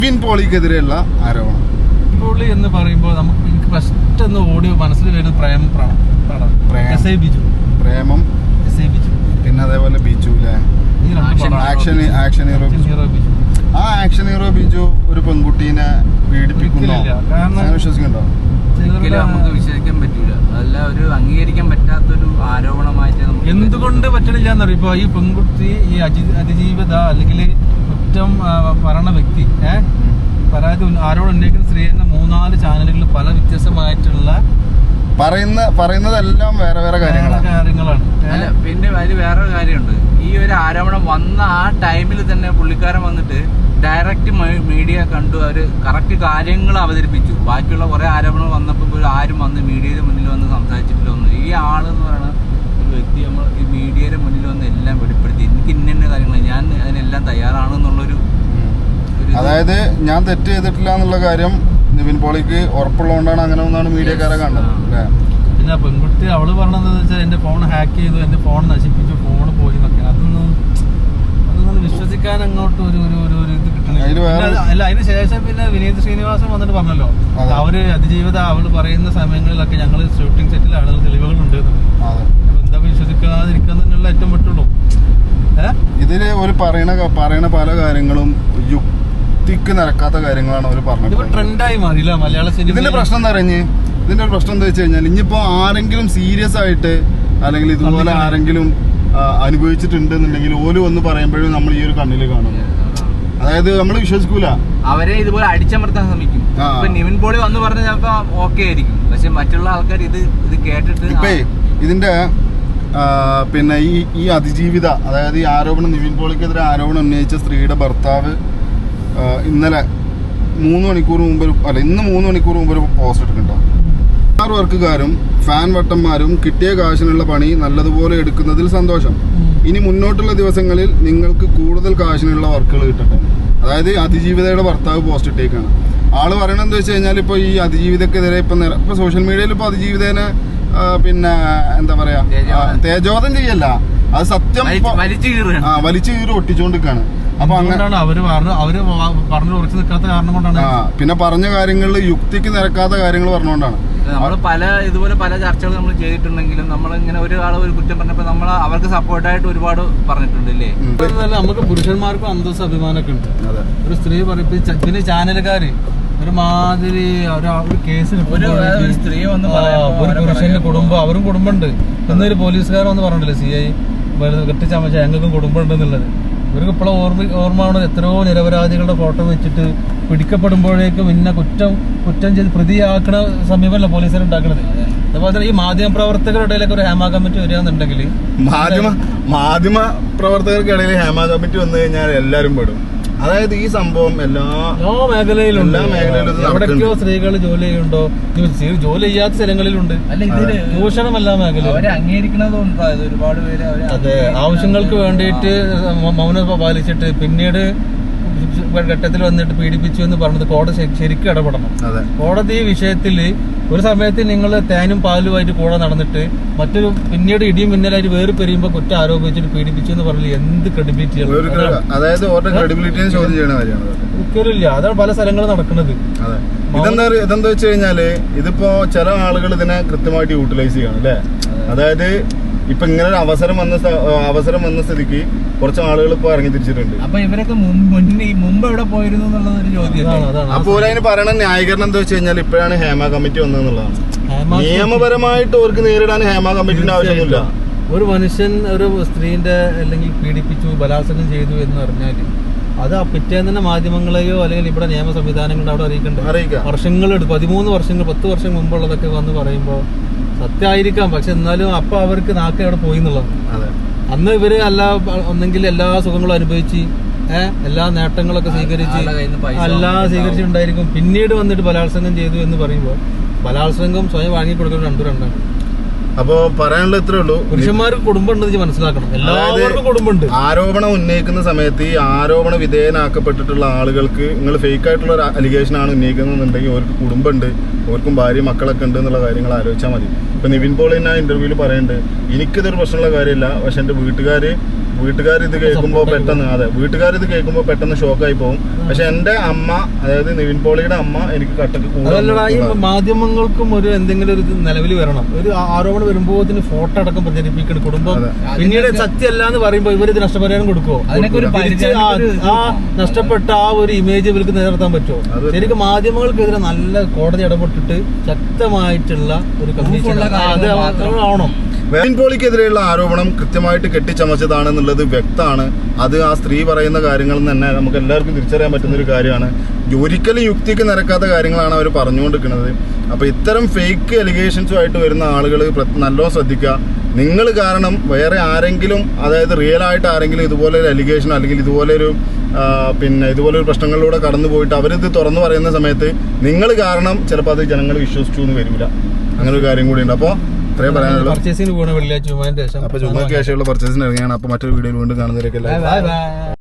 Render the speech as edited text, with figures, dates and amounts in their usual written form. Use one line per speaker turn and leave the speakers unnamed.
നിവിൻ പോളിക്കെതിരെയുള്ള ആരോപണം.
പോളി എന്ന് പറയുമ്പോൾ എനിക്ക് ഫസ്റ്റ് ഒന്ന് ഓഡിയോ മനസ്സിൽ വരുന്നത്
പ്രേമം, പിന്നെ അതേപോലെ ബിജു അല്ലേ, ആക്ഷൻ ഹീറോ ബിജു. ആ ആക്ഷൻ ഹീറോ ബിജു ഒരു പെൺകുട്ടീനെ പീഡിപ്പിക്കുന്നു വിശ്വസിക്കുന്നുണ്ടോ?
നമുക്ക് വിശ്വസിക്കാൻ പറ്റൂല. അതല്ല, ഒരു അംഗീകരിക്കാൻ പറ്റാത്തൊരു ആരോപണമായിട്ട്
എന്തുകൊണ്ട് പറ്റണില്ല എന്നറിയാം. ഇപ്പൊ ഈ പെൺകുട്ടി ഈ അതിജീവിത അല്ലെങ്കിൽ കുറ്റം പറയണ വ്യക്തി പരാതി ആരോട് ഉന്നയിക്കുന്ന സ്ത്രീ എന്ന 3-4 ചാനലുകളിൽ പല വ്യത്യസ്തമായിട്ടുള്ള
പറയുന്നതെല്ലാം വേറെ വേറെ കാര്യങ്ങളാണ്.
അല്ല, പിന്നെ അതിൽ വേറൊരു കാര്യമുണ്ട്. ഈ ഒരു ആരോപണം വന്ന ആ ടൈമിൽ തന്നെ പുള്ളിക്കാരൻ വന്നിട്ട് ഡയറക്റ്റ് മീഡിയ കണ്ടു, അവര് കറക്റ്റ് കാര്യങ്ങൾ അവതരിപ്പിച്ചു. ബാക്കിയുള്ള കുറെ ആരോപണങ്ങൾ വന്നപ്പോൾ ആരും വന്ന് മീഡിയയുടെ മുന്നിൽ വന്ന് സംസാരിച്ചിട്ടില്ല ഒന്നും. ഈ ആളെന്ന് പറയുന്ന ഒരു വ്യക്തി നമ്മൾ ഈ മീഡിയയുടെ മുന്നിൽ വന്ന് എല്ലാം വെളിപ്പെടുത്തി, എനിക്ക് ഇന്ന കാര്യങ്ങൾ ഞാൻ അതിനെല്ലാം തയ്യാറാണെന്നുള്ളൊരു,
അതായത് ഞാൻ തെറ്റ് ചെയ്തിട്ടില്ല എന്നുള്ള കാര്യം നിവിൻ പോളിക്ക് ഉറപ്പുള്ളതുകൊണ്ടാണ് അങ്ങനെ ഒന്നാണ് മീഡിയക്കാരെ കണ്ടത്.
പിന്നെ പെൺകുട്ടി അവള് പറഞ്ഞതെന്ന് വെച്ചാൽ എന്റെ ഫോൺ ഹാക്ക് ചെയ്തു, എന്റെ ഫോൺ നശിപ്പിച്ചു, ഫോൺ പോയി എന്നൊക്കെ. അതൊന്നും വിശ്വസിക്കാൻ അങ്ങോട്ട് ഒരു ഇത് കിട്ടണില്ല. അല്ല, അതിന് ശേഷം പിന്നെ വിനീത് ശ്രീനിവാസൻ വന്നിട്ട് പറഞ്ഞല്ലോ, അവര് അതിജീവിത അവള് പറയുന്ന സമയങ്ങളിലൊക്കെ ഞങ്ങള് ഷൂട്ടിംഗ് സെറ്റിലാണ്, തെളിവുകളുണ്ട്. അപ്പൊ എന്താ വിശ്വസിക്കാതിരിക്കാന്നുള്ള ഏറ്റവും പറ്റുള്ളൂ.
ഇതില് ഒരു പറയണ പല കാര്യങ്ങളും യുക്തിക്ക് നിരക്കാത്ത കാര്യങ്ങളാണ് അവർ പറഞ്ഞത്.
ട്രെൻഡായി മാറിയില്ല മലയാള സിനിമ.
ഇതിന്റെ പ്രശ്നം എന്താ ഇതിന്റെ ഒരു പ്രശ്നം എന്താ വെച്ച് കഴിഞ്ഞാൽ, ഇനിയിപ്പോ ആരെങ്കിലും സീരിയസ് ആയിട്ട് അല്ലെങ്കിൽ ഇതുപോലെ ആരെങ്കിലും അനുഭവിച്ചിട്ടുണ്ട് എന്നുണ്ടെങ്കിൽ ഓല് വന്ന് പറയുമ്പോഴും നമ്മൾ ഈ ഒരു കണ്ണില് കാണും. അതായത് നമ്മൾ വിശ്വസിക്കൂല,
അവരെ ഇതുപോലെ അടിച്ചമർത്താൻ ശ്രമിക്കും. ഇപ്പൊ നിവിൻ പോളി വന്ന് പറഞ്ഞ ചിലപ്പോ ഓക്കെ ആയിരിക്കും, പക്ഷെ മറ്റുള്ള ആൾക്കാർ ഇത് കേട്ടിട്ട്
ഇപ്പൊ ഇതിന്റെ പിന്നെ ഈ അതിജീവിത, അതായത് ഈ ആരോപണം നിവിൻ പോളിക്കെതിരെ ആരോപണം ഉന്നയിച്ച സ്ത്രീയുടെ ഭർത്താവ് ഇന്നലെ 3 മണിക്കൂർ മുമ്പ് ഇന്ന് 3 മണിക്കൂർ മുമ്പ് ഒരു പോസ്റ്റ് ഇട്ടിട്ടുണ്ടോ? 6 വർക്കുകാരും ഫാൻ വട്ടന്മാരും കിട്ടിയ കാശിനുള്ള പണി നല്ലതുപോലെ എടുക്കുന്നതിൽ സന്തോഷം. ഇനി മുന്നോട്ടുള്ള ദിവസങ്ങളിൽ നിങ്ങൾക്ക് കൂടുതൽ കാശിനുള്ള വർക്കുകൾ കിട്ടട്ടെ. അതായത് അതിജീവിതയുടെ ഭർത്താവ് പോസ്റ്റ് ഇട്ടേക്കാണ്. ആള് പറയണത് എന്താ വെച്ച് കഴിഞ്ഞാൽ, ഇപ്പൊ ഈ അതിജീവിതക്കെതിരെ ഇപ്പൊ സോഷ്യൽ മീഡിയയിൽ ഇപ്പൊ അതിജീവിതേനെ പിന്നെ എന്താ പറയാ തേജോധം ചെയ്യല്ല, അത് സത്യം വലിച്ചു കീറി ഒട്ടിച്ചോണ്ടിരിക്കാണ്. അപ്പൊ അങ്ങനെ
അവര് പറഞ്ഞു ഉറച്ചു നിൽക്കാത്ത കാരണം കൊണ്ടാണ്.
പിന്നെ പറഞ്ഞ കാര്യങ്ങളിൽ യുക്തിക്ക് നിരക്കാത്ത കാര്യങ്ങൾ പറഞ്ഞുകൊണ്ടാണ്.
നമ്മൾ ഇതുപോലെ പല ചർച്ചകൾ നമ്മൾ ചെയ്തിട്ടുണ്ടെങ്കിലും നമ്മൾ ഇങ്ങനെ ഒരാൾ ഒരു കുറ്റം പറഞ്ഞപ്പോൾ നമ്മൾ അവർക്ക് സപ്പോർട്ടായിട്ട് ഒരുപാട് പറഞ്ഞിട്ടുണ്ട് അല്ലേ.
നമുക്ക് പുരുഷന്മാർക്കും അന്തസ്സ് അഭിമാനമൊക്കെ ഉണ്ട്. ഒരു സ്ത്രീ പറയും, പിന്നെ ചാനലുകാര് ഒരുമാതിരി ഒരു കേസ്
ഒരു സ്ത്രീ വന്ന്
ഒരു പുരുഷന്റെ കുടുംബം, അവരും കുടുംബമുണ്ട് എന്നൊരു പോലീസുകാരൻ വന്ന് പറഞ്ഞില്ലേ, CI കെട്ടിച്ചമച്ച ഞങ്ങൾക്കും കുടുംബം ഉണ്ടെന്നുള്ളത്. ഇവർക്ക് ഇപ്പോഴും ഓർമ്മയാണ് എത്രയോ നിരപരാധികളുടെ ഫോട്ടോ വെച്ചിട്ട് പിടിക്കപ്പെടുമ്പോഴേക്കും പിന്നെ കുറ്റം ചെയ്ത് പ്രതിയാക്കണ സമീപമല്ല പോലീസുകാർ ഉണ്ടാക്കുന്നത്. അതുപോലെ തന്നെ ഈ മാധ്യമ പ്രവർത്തകരുടെ ഇടയിലൊക്കെ ഒരു ഹേമ കമ്മിറ്റി വരികയാണെന്നുണ്ടെങ്കിൽ,
മാധ്യമ പ്രവർത്തകർക്കിടയിൽ ഹേമ കമ്മിറ്റി വന്നു കഴിഞ്ഞാൽ എല്ലാവരും പെടും. അതായത് ഈ സംഭവം എല്ലാ മേഖലയിലും
എവിടേക്കോ സ്ത്രീകൾ ജോലി ചെയ്യുന്നുണ്ടോ, ജോലി ചെയ്യാത്ത സ്ഥലങ്ങളിലുണ്ട്. ചൂഷണം എല്ലാ മേഖലയും
അംഗീകരിക്കണതുണ്ട്. ഒരുപാട് പേര്
അതെ, ആവശ്യങ്ങൾക്ക് വേണ്ടിയിട്ട് മൗനം പാലിച്ചിട്ട് പിന്നീട് ഘട്ടത്തിൽ വന്നിട്ട് പീഡിപ്പിച്ചു എന്ന് പറഞ്ഞത് കോടതി ശരിക്കും ഇടപെടണം. കോടതി ഈ വിഷയത്തിൽ ഒരു സമയത്ത് നിങ്ങൾ തേനും പാലുമായിട്ട് കൂടെ നടന്നിട്ട് മറ്റൊരു പിന്നീട് ഇടിയും മിന്നലായിട്ട് വേറെ പെരിയുമ്പോൾ കുറ്റം ആരോപിച്ചിട്ട് പീഡിപ്പിച്ചു എന്ന് പറഞ്ഞാൽ എന്ത് ക്രെഡിബിലിറ്റിയാണ്? ഒരിക്കലില്ല. അതാണ് പല സ്ഥലങ്ങളും നടക്കുന്നത്.
ഇതെന്താ വെച്ച് കഴിഞ്ഞാല്, ഇതിപ്പോ ചില ആളുകൾ ഇതിനെ കൃത്യമായിട്ട് യൂട്ടിലൈസ് ചെയ്യണം അല്ലേ. അതായത് ഇപ്പൊ ഇങ്ങനെ ഒരു അവസരം വന്ന സ്ഥിതിക്ക് കുറച്ച് ആളുകൾ ഇപ്പൊ ഇറങ്ങി തിരിച്ചിട്ടുണ്ട്.
അപ്പൊ ഇവരൊക്കെ മുമ്പ് എവിടെ പോയിരുന്നു എന്നുള്ളതൊരു ചോദ്യം.
അപ്പോൾ അതിന് പറയണ ന്യായീകരണം എന്താ വെച്ച് കഴിഞ്ഞാൽ, ഇപ്പോഴാണ് ഹേമ കമ്മിറ്റി വന്നതെന്നുള്ളതാണ്. നിയമപരമായിട്ട് അവർക്ക് നേരിടാൻ ഹേമ കമ്മിറ്റിന്റെ ആവശ്യമൊന്നുമില്ല.
ഒരു മനുഷ്യൻ ഒരു സ്ത്രീന്റെ അല്ലെങ്കിൽ പീഡിപ്പിച്ചു, ബലാത്സംഗം ചെയ്തു എന്ന് പറഞ്ഞാല് അത് ആ പിറ്റേന്ന് തന്നെ മാധ്യമങ്ങളെയോ അല്ലെങ്കിൽ ഇവിടെ നിയമ സംവിധാനങ്ങളുടെ അവിടെ അറിയിക്കണ്ടേ. വർഷങ്ങളെടുത്ത് 13 വർഷങ്ങൾ 10 വർഷം മുമ്പുള്ളതൊക്കെ വന്ന് പറയുമ്പോൾ സത്യമായിരിക്കാം, പക്ഷെ എന്നാലും അപ്പൊ അവർക്ക് നാക്ക് അവിടെ പോയി എന്നുള്ളതാണ്. അന്ന് ഇവര് ഒന്നെങ്കിൽ എല്ലാ സുഖങ്ങളും അനുഭവിച്ച് എല്ലാ നേട്ടങ്ങളൊക്കെ സ്വീകരിച്ചിട്ടുണ്ടായിരിക്കും. പിന്നീട് വന്നിട്ട് ബലാത്സംഗം ചെയ്തു എന്ന് പറയുമ്പോൾ ബലാത്സംഗം സ്വയം വാങ്ങി കൊടുക്കുന്നത് രണ്ടാണ്.
അപ്പോ പറയാനുള്ള ഇത്രേ ഉള്ളൂ,
പുരുഷന്മാർക്ക് കുടുംബം ഉണ്ടെന്ന് മനസ്സിലാക്കണം. എല്ലാവർക്കും കുടുംബമുണ്ട്.
ആരോപണം ഉന്നയിക്കുന്ന സമയത്ത് ഈ ആരോപണ വിധേയനാക്കപ്പെട്ടിട്ടുള്ള ആളുകൾക്ക് നിങ്ങൾ ഫേക്ക് ആയിട്ടുള്ള ഒരു അലിഗേഷൻ ആണ് ഉന്നയിക്കുന്നതെന്നുണ്ടെങ്കിൽ അവർക്ക് കുടുംബമുണ്ട്, അവർക്കും ഭാര്യ മക്കളൊക്കെ ഉണ്ട് എന്നുള്ള കാര്യങ്ങൾ ആലോചിച്ചാൽ മതി. ഇപ്പൊ നിവിൻ പോളി തന്നെ ഇന്റർവ്യൂവിൽ പറയുന്നുണ്ട്, എനിക്കിതൊരു പ്രശ്നമുള്ള കാര്യമില്ല, പക്ഷെ എന്റെ വീട്ടുകാര് വീട്ടുകാർ ഇത് കേൾക്കുമ്പോൾ പെട്ടെന്ന് വീട്ടുകാർ ഇത് കേൾക്കുമ്പോൾ പെട്ടെന്ന് ഷോക്കായി പോകും. പക്ഷെ എന്റെ അമ്മ, അതായത് നിവിൻ പോളിയുടെ അമ്മ എനിക്ക് കട്ടക്ക്
അതല്ലടാ, ഈ മാധ്യമങ്ങൾക്കും ഒരു എന്തെങ്കിലും ഒരു നിലവിൽ വരണം. ഒരു ആരോപണം വരുമ്പോൾ ഫോട്ടോ അടക്കം പ്രചരിപ്പിക്കണം കുടുംബം. പിന്നീട് സത്യമല്ല എന്ന് പറയുമ്പോൾ ഇവർ ഇത് നഷ്ടപരിഹാരം കൊടുക്കുമോ? ആ നഷ്ടപ്പെട്ട ആ ഒരു ഇമേജ് ഇവർക്ക് നിലനിർത്താൻ പറ്റുമോ? ശരിക്കും മാധ്യമങ്ങൾക്കെതിരെ നല്ല കോടതി ഇടപെട്ടിട്ട് ശക്തമായിട്ടുള്ള ഒരു കമ്മീഷൻ അത് ആവണം.
നിവിൻ പോളിക്കെതിരെയുള്ള ആരോപണം കൃത്യമായിട്ട് കെട്ടിച്ചമച്ചതാണെന്നുള്ളത് വ്യക്തമാണ്. അത് ആ സ്ത്രീ പറയുന്ന കാര്യങ്ങൾ തന്നെ നമുക്ക് എല്ലാവർക്കും തിരിച്ചറിയാൻ പറ്റുന്ന ഒരു കാര്യമാണ്. ഒരിക്കലും യുക്തിക്ക് നിരക്കാത്ത കാര്യങ്ങളാണ് അവർ പറഞ്ഞുകൊണ്ടിരിക്കുന്നത്. അപ്പോൾ ഇത്തരം ഫേക്ക് എലിഗേഷൻസുമായിട്ട് വരുന്ന ആളുകൾ നല്ലോണം ശ്രദ്ധിക്കുക. നിങ്ങൾ കാരണം വേറെ ആരെങ്കിലും, അതായത് റിയൽ ആയിട്ട് ആരെങ്കിലും ഇതുപോലെ ഒരു എലിഗേഷൻ അല്ലെങ്കിൽ ഇതുപോലൊരു പ്രശ്നങ്ങളിലൂടെ കടന്നു പോയിട്ട് അവരിത് തുറന്നു പറയുന്ന സമയത്ത് നിങ്ങൾ കാരണം ചിലപ്പോൾ അത് ജനങ്ങൾ വിശ്വസിച്ചു എന്ന് വരില്ല. അങ്ങനെ ഒരു കാര്യം കൂടി ഉണ്ട്. അപ്പോൾ ഇത്രയും പറയാനുള്ളൂ.
പർച്ചേസിന് പോകണം വെള്ളിയാഴ്ച.
അപ്പോൾ ചുമ്മാ ശേഷമുള്ള പർച്ചേസിന് ഇറങ്ങിയാണ്. അപ്പോൾ മറ്റൊരു വീഡിയോയിൽ വീണ്ടും കാണുന്നവരൊക്കെ